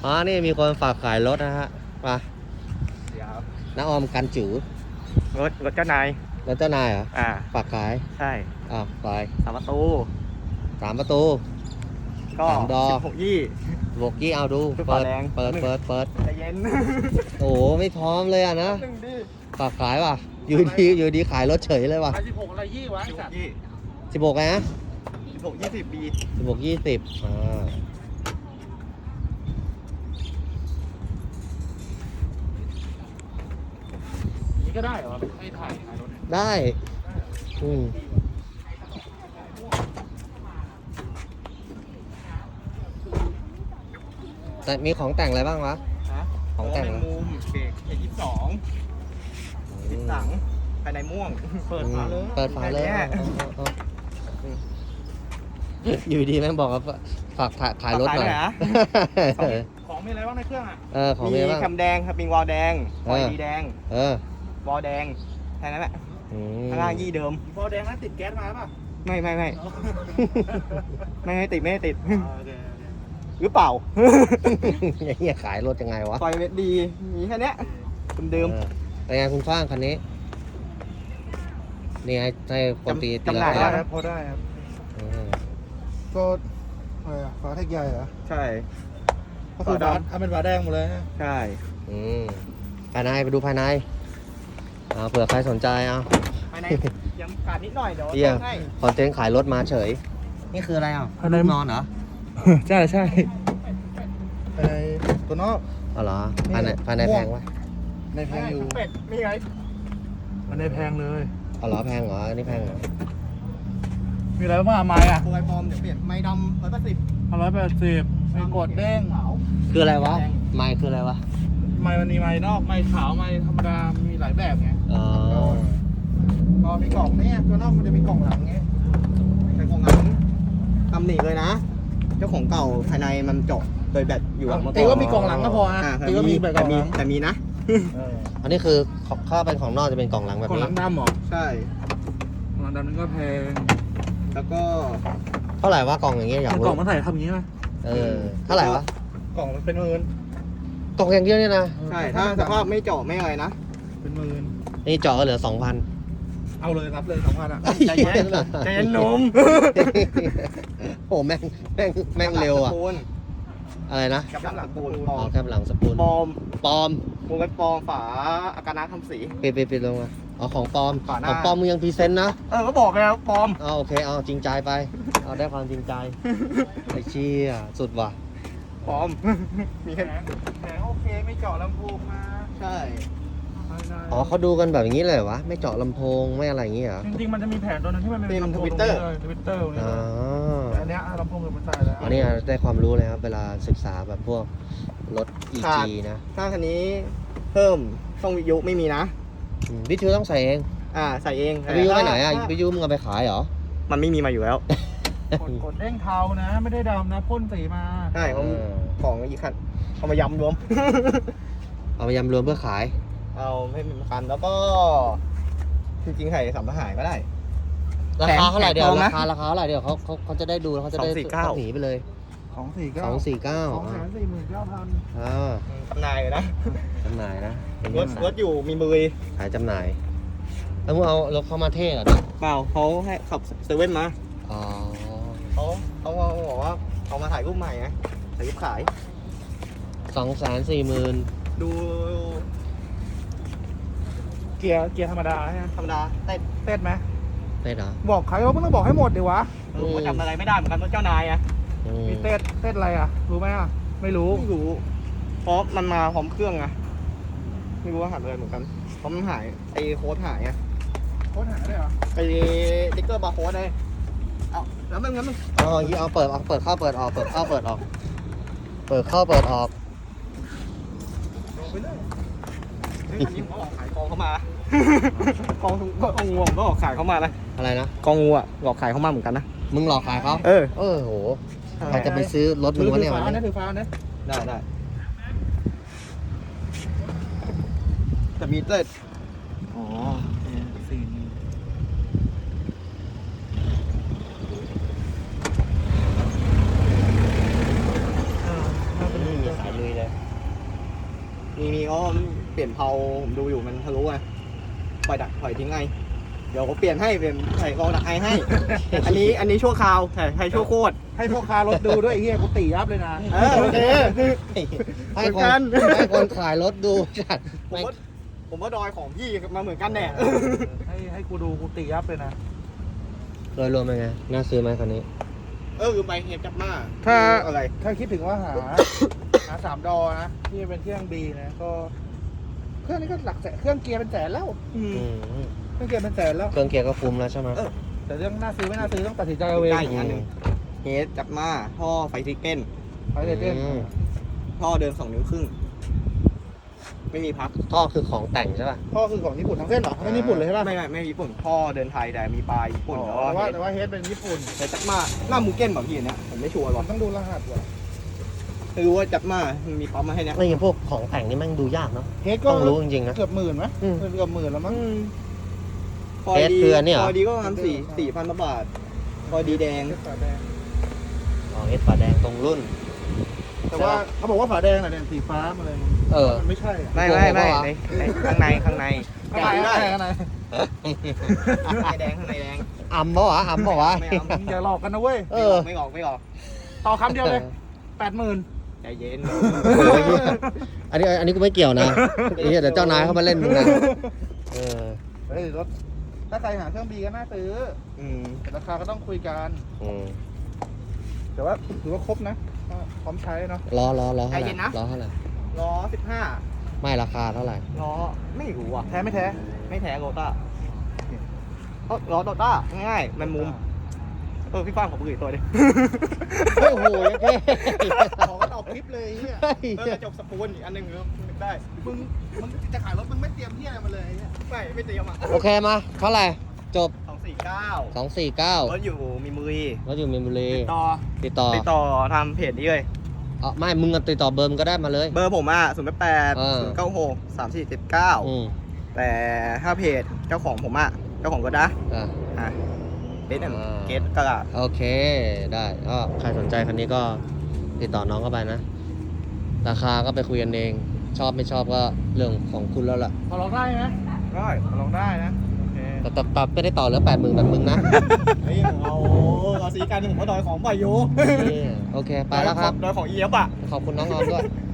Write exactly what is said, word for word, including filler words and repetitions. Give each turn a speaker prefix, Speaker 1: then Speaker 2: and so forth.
Speaker 1: อ๋อนี่มีคนฝากขายรถนะฮะมา
Speaker 2: เดี๋ยว
Speaker 1: น้าออมกันจื๋อ
Speaker 2: รถรถเจ้านาย
Speaker 1: แล้วเจ้านายเหรอ
Speaker 2: อ่า
Speaker 1: ฝากขาย
Speaker 2: ใช่
Speaker 1: อ้าวไป
Speaker 2: สามประตู
Speaker 1: สามประตู
Speaker 2: ก็
Speaker 1: สามดอก
Speaker 2: สิบหกยี่
Speaker 1: บวกกี้เอาดู
Speaker 2: คือ
Speaker 1: เปิด
Speaker 2: ฝาแดง
Speaker 1: เปิดเปิดเปิด
Speaker 2: ใจเย็น
Speaker 1: โอ้โหไม่พร้อมเลยอ่ะนะ
Speaker 2: หนึ่งดิ
Speaker 1: ฝากขายว่ะอยู่ดีอยู่ดีขายรถเฉยเลยว่ะ
Speaker 3: สิบหกอะไรยี่วะไอ้
Speaker 2: สิบห
Speaker 3: สัต
Speaker 2: ก
Speaker 3: ว์
Speaker 2: ยี่
Speaker 1: สิบหกไงนะ
Speaker 2: สิบหกยี่สิบปี
Speaker 1: สิบหกยี่สิบอ่า
Speaker 3: นี่ก็ได้เหรอให้ถ่ายถ่ายรถเนี่ย
Speaker 1: ได้อืมแต่มีของแต่งอะไรบ้างวะ
Speaker 2: ฮะ
Speaker 1: ของแต่ง
Speaker 2: แมงมุมเบรกเอยี่สิบสองติดสังภายในม่วง เปิดฝาเลย
Speaker 1: เปิดฝาเลย
Speaker 2: แค่นี้
Speaker 1: เอาเอาเอาอยู่ดีแม่งบอกว่าฝากขายรถหน่อย
Speaker 2: ฝากขายหน่อยนะ
Speaker 3: ของมีอะไรบ้างในเครื่องอ่ะ
Speaker 1: เออของ
Speaker 2: มี
Speaker 1: มีบ้าง
Speaker 2: แคมแดงครับมีวอลแดงวอลดีแดง
Speaker 1: เออ
Speaker 2: วอลแดงแค่นั้นแหละ
Speaker 1: อืม
Speaker 2: ข้างล่างยี่เดิม
Speaker 3: บอแดงนั้นติดแก๊สมาป่ะ
Speaker 2: ไม่ไม่ไม่
Speaker 3: อ๋อ
Speaker 2: ไม่ให้ติดไม่ให้ติด
Speaker 3: โอเคโอเค
Speaker 2: หรือเปล่า
Speaker 1: ไอ้เหี้ยขายรถยังไงวะ
Speaker 2: ไฟเวดดีมีแค่เนี้ยเดิม
Speaker 1: เออเป็นไงคุณฟ้างคันนี้นี่ให้ให้คนตีตี
Speaker 2: จำหน่าย
Speaker 1: รา
Speaker 3: ได้
Speaker 1: คา
Speaker 3: ครับพอได้ครับ
Speaker 1: อืม
Speaker 3: ก็อะไรอ่ะฝาแท็กใหญ่เหรอ
Speaker 2: ๆใช่
Speaker 3: ก็คือ
Speaker 2: ฝา
Speaker 3: ฝา
Speaker 2: ดำ
Speaker 3: ทำเป็นฝาแดงหมดเลยฮะ
Speaker 2: ใช่
Speaker 1: อืมภายในไปดูภายในเอาเผื่อใครสนใจเอา
Speaker 2: ภายในยังขาดนิดหน่อยเดี๋ยว
Speaker 1: เหี้ย
Speaker 2: ต้องให้
Speaker 1: คอนเทนต์ขายรถมาเฉย นี่คืออะไรอ่ะ
Speaker 3: ภายใน
Speaker 1: นอนเหรอ
Speaker 3: ใช่ใช่ภายในตัวนอก
Speaker 1: อ๋อเหรอภายในภายในแพงวะ
Speaker 3: ในแพงอยู่
Speaker 2: เป็ดมีไง
Speaker 3: มันในแพงเลย
Speaker 1: อ๋อเหรอแพงเหรออันนี้แพงเหรอ
Speaker 3: มีอะไรบ้างอะไม้อะ
Speaker 2: ตัวไอฟอร์มเดี๋ยวเปลี่ยนไม้ดำร้อยแปดสิบ
Speaker 3: ร้อยแปดสิบมีกดเด้ง
Speaker 1: คืออะไรวะไมค์คืออะไรวะ
Speaker 3: ไม้มันมีไม้นอกไม้ขาวไม้ธรรมดา มีหลายแบบไง
Speaker 1: อ๋อ
Speaker 3: พอมีกล่องเนี่ยตัวนอกมันจะมีกล่องหลังไง
Speaker 2: แต่ของหลังตำหนิเลยนะ เจ้าของเก่าภายในมันเจาะโดยแบตอยู่อะเมื่อ
Speaker 3: ตี
Speaker 2: ก่อน
Speaker 3: ว่ามีกล่องหลังก็พอฮะ
Speaker 2: อ่า
Speaker 3: ตีว่ามีแบบกล่องหลัง
Speaker 2: แต่มีนะ
Speaker 3: เออ
Speaker 1: อันนี้คือข้าเป็นของนอกจะเป็นกล่องหลังแบบ
Speaker 3: กล่องห
Speaker 1: นี้
Speaker 3: ลังดำเหรอ
Speaker 2: ใช่
Speaker 3: กล่องหลังดำนั่นก็แพง
Speaker 2: แล้วก็
Speaker 1: เท่าไหร่วะกล่องอย่างเงี้ยอยาก
Speaker 3: กล่
Speaker 1: รู้
Speaker 3: องมันใส่ทำอย่างนี้ไหม
Speaker 1: เออเท่าไหร่วะ
Speaker 3: กล่องมันเป็นหมื่น
Speaker 1: กล่องอย่างเดียวเนี่ยนะ
Speaker 2: ใช่ถ้าสภาพไม่เจาะไม่อะไรนะ
Speaker 3: เป็นหมื่น
Speaker 1: นี่เจาะก็เหลือสองพัน
Speaker 3: เอาเลยรับเลยสองพันอ่ะ
Speaker 2: ใจเย็นใจเย็นหนุ่ม
Speaker 1: โอ้แม่งแม่งแม่งเร็วอ่ะ
Speaker 2: ปูน
Speaker 1: อะไรนะ
Speaker 2: กับหลังปูนป
Speaker 1: อ๋
Speaker 2: อ
Speaker 1: อ
Speaker 2: ม
Speaker 1: แคบหลังสปูน
Speaker 2: ปลอม
Speaker 1: ปลอม
Speaker 2: วงเล็บปลอมฝาอากาศน้ำทำสี
Speaker 1: ปิดปิดปิดลงมาอ๋อของปลอม
Speaker 2: ฝาหน้า
Speaker 1: ของปลอมมึงยังพรีเซนต์นะ
Speaker 2: เออก็บอกแล้วปลอม
Speaker 1: เอาโอเคเอาจริงใจไป เอาได้ความจริงใจไอ้เชี่ยสุดว่ะ
Speaker 2: ปลอม มี
Speaker 3: แผ
Speaker 2: แค่
Speaker 3: งแผงโอเคไม่เจาะลำโพงมา
Speaker 2: ใช่
Speaker 3: ภายใน
Speaker 1: อ๋อเขาดูกันแบบอย่างนี้เลยเหรอวะไม่เจาะลำโพงไม่อะไรอย่างงี้เหรอ
Speaker 3: จริงๆมันจะมีแผงตัวนึงที่มันเป็นลำโพงทวิตเตอร์ทวิตเตอร์นี่
Speaker 1: อ๋อ
Speaker 3: แต่อันเนี้ยลำโพงมันใส่แล้ว
Speaker 1: อันนี้ได้ความรู้เลยครับเวลาศึกษาแบบพวกรถ อี
Speaker 2: ขาด
Speaker 1: จี นะ
Speaker 2: ถ้าคันนี้เพิ่มช่องวิทยุไม่มีนะ
Speaker 1: อืมวิทยุต้องใส่เอง
Speaker 2: อ่าใส่เอง
Speaker 1: วิทยุไปไหนอ่ะ
Speaker 2: ถ้า
Speaker 1: วิทยุมึงเอาไปขายเหรอ
Speaker 2: มันไม่มีมาอยู่แล้ว
Speaker 3: กดกดเด้งเทานะ ไม่ได้ดำนะพ่นสีมา
Speaker 2: ใช่เขา
Speaker 1: เออ
Speaker 2: ของอีกคันเอามายำรวม
Speaker 1: เอาไปยำรวมเพื่อขาย
Speaker 2: เอาไม่มีคันแล้วก็ จริงๆไข่สัมภาระก็ได้
Speaker 1: ราคาเท่าไหร่เดี๋ยว
Speaker 2: แพงไหม
Speaker 1: ราคาราคาเท่าไหร่เดี๋ยวเขาเขาเขาจะได้ดูแล้วเขาจะได้
Speaker 2: สองสี่เก้า
Speaker 1: หนีไปเลย
Speaker 3: สองสี่เก้า
Speaker 1: สองสี่เก้า
Speaker 3: สองแสนสี่หมื่นเก้าพัน
Speaker 1: อ่า
Speaker 2: จำหน่ายเลยนะ
Speaker 1: จำหน่ายนะเป็น
Speaker 2: รถรถอยู่มีมือ
Speaker 1: ขายจำหน่าย แล้วมึงเอารถเข้ามาเท่เหรอ
Speaker 2: เปล่าเขาให้ขับเซเว่นมา
Speaker 1: อ๋อ
Speaker 2: เขาเขาบอกว่าเขามาถ่ายรูปใหม่ไงถ่ายรูปขาย
Speaker 1: สองแสนสี่หมื่น
Speaker 2: ดู
Speaker 3: เกียร์เกียร์ธรรมดาใช่ไหม
Speaker 2: ธรรมดาเต้น
Speaker 3: เต้นไหม
Speaker 1: ได้เหรอ
Speaker 3: บอกใครว่ามึงต้องบอกให้หมดดิวะ
Speaker 2: เออผมก็จำอะไรไม่ได้เหมือนกันว่าเจ้านายอะ
Speaker 1: อืม
Speaker 3: มีเต้นเต้นอะไรอ่ะ รู้ไหมอ่ะ ไม่รู้
Speaker 2: ไม่รู้เพราะมันมาพร้อมเครื่องไงไม่รู้ว่าหายไปเลยเหมือนกันเพราะมันหายไอ้โค้ดหายไง
Speaker 3: โค้ดหาได้เหรอ
Speaker 2: ไอ้ติ๊กเกอร์บาร์โค้ดเลยเอาแล้วมันงั้นมัน
Speaker 1: อ๋อยี่เอาเปิดเอาเปิดเข้าเปิดออกเปิดเข้าเปิดออก เปิดเข้าเปิดออก
Speaker 3: ลงไปเลย
Speaker 2: เฮ้ยอันนี้ผมก็ออกขายกองเข้ามา กองก็กองงูผมก็ออกขายเข้ามานะ
Speaker 1: อะไรนะ
Speaker 2: กองงูอ่ะออกขายเข้ามาเหมือนกันนะ
Speaker 1: มึงหลอกขายเขา
Speaker 2: เออ
Speaker 1: เออโหใครจะไปซื้อรถมึงวะเนี่ยวัน
Speaker 3: ถือฟ้า
Speaker 1: นี้
Speaker 3: นะถือฟ้านะ
Speaker 2: ได้ได้แต่มีเต้น
Speaker 3: อ๋อสี่
Speaker 1: ไม่มีสายลุยเลย
Speaker 2: มีมีก็เปลี่ยนเพลาผมดูอยู่มันทะลุไงปล่อยดักปล่อยทิ้งไงเดี๋ยวเขาเปลี่ยนให้เป็นใส่กองดักไอให้ อันนี้อันนี้ชั่วคราวใช่ใช่ชั่วโคตร
Speaker 3: ให้พ่อค้ารถดูด้วยไอ้เหี้ยกูตียับเลยนะ
Speaker 2: เออโอเค
Speaker 1: ให้
Speaker 2: เหมื
Speaker 1: ค
Speaker 2: อนกัน น
Speaker 1: ให้คนขายรถดูจัด
Speaker 2: ผม
Speaker 1: ไม่
Speaker 2: ว่าผมว่าดอยของพี่มาเหมือนกันแน่
Speaker 3: ให้ให้กูดูกูตียับเลยนะ
Speaker 1: โดยรวมเป็นไง น่าซื้อไหมคันนี้
Speaker 2: เออคือไปเฮดจับมา
Speaker 3: ถ้า
Speaker 2: อะไร
Speaker 3: ถ้าคิดถึงว่าหา หาสามดอนะที่เป็นเครื่องดีนะก็ เครื่องนี้ก็หลักแสนเครื่องเกียร์เป็นแสนแล้ว
Speaker 2: อืม
Speaker 1: อืม
Speaker 3: เครื่องเกียร์เป็นแสนแล้ว
Speaker 1: เครื่องเกียร์ก็คุ้มแล้วใช่ไหม
Speaker 2: เออ
Speaker 3: แต่เรื่องน่าซื้อไม่น่าซื้อต้องตัดสินใจเอาเอง
Speaker 2: ได้อีกอันหนึ่งเฮดจับมาท่อไฟทิกเก้น
Speaker 3: ไปเลยเต้น
Speaker 1: อืม
Speaker 2: ท่อเดินสองนิ้วครึ่ง ไม่มีพับ
Speaker 1: ท่อคือของแต่งใช่ป่ะ
Speaker 3: พ่อคือของญี่ปุ่นทั้งเส้นเหรอไม่ญี่ปุ่นเลยใช่ป่ะ
Speaker 2: ไม่ไม่ไม่ญี่ปุ่นท่อเดินไทยแต่มีปลายญี่ปุ่น
Speaker 3: อ๋อ
Speaker 2: แต่ว่า
Speaker 3: แต่ว่าแต่ว่าเฮดเป็นญี่ปุ่น
Speaker 2: เฮดจับมาหน้ามูเก้นแบบพี่อันเนี้ยผมไม่ชัวร์หร
Speaker 3: มั
Speaker 2: อก
Speaker 3: นต้องดูรหัสว่ะ
Speaker 2: ไม่รู้ว่าจับมามันมีปั๊มมาให้เนี้ย
Speaker 1: ไอ้พวกของแต่งนี่แม่งดูยากเนาะ
Speaker 3: เฮดก็
Speaker 1: ต้องรู้จริงๆนะ
Speaker 3: เกือบหมื่นไหม
Speaker 1: อืม
Speaker 3: เกือบหมื่นแล้วมั้ง
Speaker 2: พอ
Speaker 1: เฮด
Speaker 2: ดี
Speaker 1: คืออันนี้เหรอ
Speaker 2: พอดีก็ประมาณสี่สี่พันบาท พอดีแดง
Speaker 3: เฮดฝาแดง
Speaker 1: อ๋อเอสฝาแดงตรงรุ่น
Speaker 3: แต่ว่าเขาบอกว่าฝาแดงน่ะเนี่ยสีฟ้ามาเลย
Speaker 1: เออ
Speaker 3: มันไม่ใช่อะ
Speaker 2: ไม่ไม่ไม่
Speaker 1: โกหกปะวะ
Speaker 2: ในในข้างในข้างใน
Speaker 3: ข้างใน
Speaker 2: ได้
Speaker 3: ข้างในข้างใน
Speaker 2: ข้างในแดงข้างในแดง
Speaker 1: อ่ำปะวะอ่ำปะวะ
Speaker 2: ไม่เอา
Speaker 3: มึงอย่าหลอกกันนะเว้ย
Speaker 1: เอ
Speaker 2: ไม่
Speaker 1: อ
Speaker 2: ออกไม่ออกไม่ออก
Speaker 3: ต่อคำเดียวเลยแปดหมื่น
Speaker 2: ใจเย็น
Speaker 1: โอ้ยเหี้ยอันนี้อันนี้กูไม่เกี่ยวนะไอ้เหี้ยเดี๋ยวเจ้านายเขามาเล่นมึงนะเออ
Speaker 3: เฮ้ยรถถ้าใครหาเครื่องบีก็น่าซื้อ
Speaker 2: อืม
Speaker 3: แต่ราคาก็ต้องคุยกัน
Speaker 1: อืม
Speaker 3: แต่ว่าถือว่าครบนะก็พร้อมใช้เนาะ
Speaker 1: ล้อล้อล้อเท่าไหร่ล้อเท่าไหร่
Speaker 2: ล้อสิบห้า
Speaker 1: ไม่ราคาเท่าไหร่
Speaker 2: ล้อไม่รู้อ่ะ
Speaker 3: แท้ไม่แท้
Speaker 2: ไม่แท้โรต้าเอ้าล้อโรต้าง่ายๆมันมุมเออพี่ฟ้างขอปืนอีกตัวดิ
Speaker 1: เฮ้ยโอ้โหยังไง
Speaker 3: ขอก็เอาคลิปเลยเนี่ย
Speaker 2: เออกระจกสปูนอีกอันหนึ่งเออนึกได้
Speaker 3: มึงมึงจะขายรถมึงไม่เตรียมที่อะไรมาเลยไอ้เนี่ย
Speaker 2: ไม่ไม่เตรียมอ่ะ
Speaker 1: โอเคมาเท่าไหร่จบ
Speaker 2: สองสี่เก้า
Speaker 1: สองสี่เก้าร
Speaker 2: ถอยู่มีมือ
Speaker 1: รถอยู่มีนบุรี
Speaker 2: ติดต่อ
Speaker 1: ติดต่อ
Speaker 2: ติดต่อทำเพจนี้เลย
Speaker 1: อ๋อไม่มึงก็ติดต่อเบอร์มึงก็ได้มาเลย
Speaker 2: เบอร์ผมอ่ะศูนย์แปด
Speaker 1: เออ
Speaker 2: ศูนย์เก้าหกสามสี่เจ็ดเก้า
Speaker 1: อืม
Speaker 2: แต่ถ้าเพจเจ้าของผมอ่ะเจ้าของก็ได้
Speaker 1: อ่ะ
Speaker 2: อ่ะเบส
Speaker 1: อ่า
Speaker 2: เกตกระดาษ
Speaker 1: โอเคได้ก็ใครสนใจคันนี้ก็ติดต่อน้องเข้าไปนะ ราคาก็ไปคุยกันเอง ชอบไม่ชอบก็เรื่องของคุณแล้วล่ะ
Speaker 3: พอลองได้ไหม
Speaker 2: ได้ลองได้นะโอเค
Speaker 1: แต่แต่แต่ไม่ได้ต่อเหลือแปดหมื่นแบบมึงนะ
Speaker 2: เฮ้ยเอาเราซีกันผมก็ดอยของไปอยู่
Speaker 1: นี่โอเค ไปแล้วครับ
Speaker 2: ดอยของเอียบอ่ะ
Speaker 1: ขอบคุณน้องออมด้วย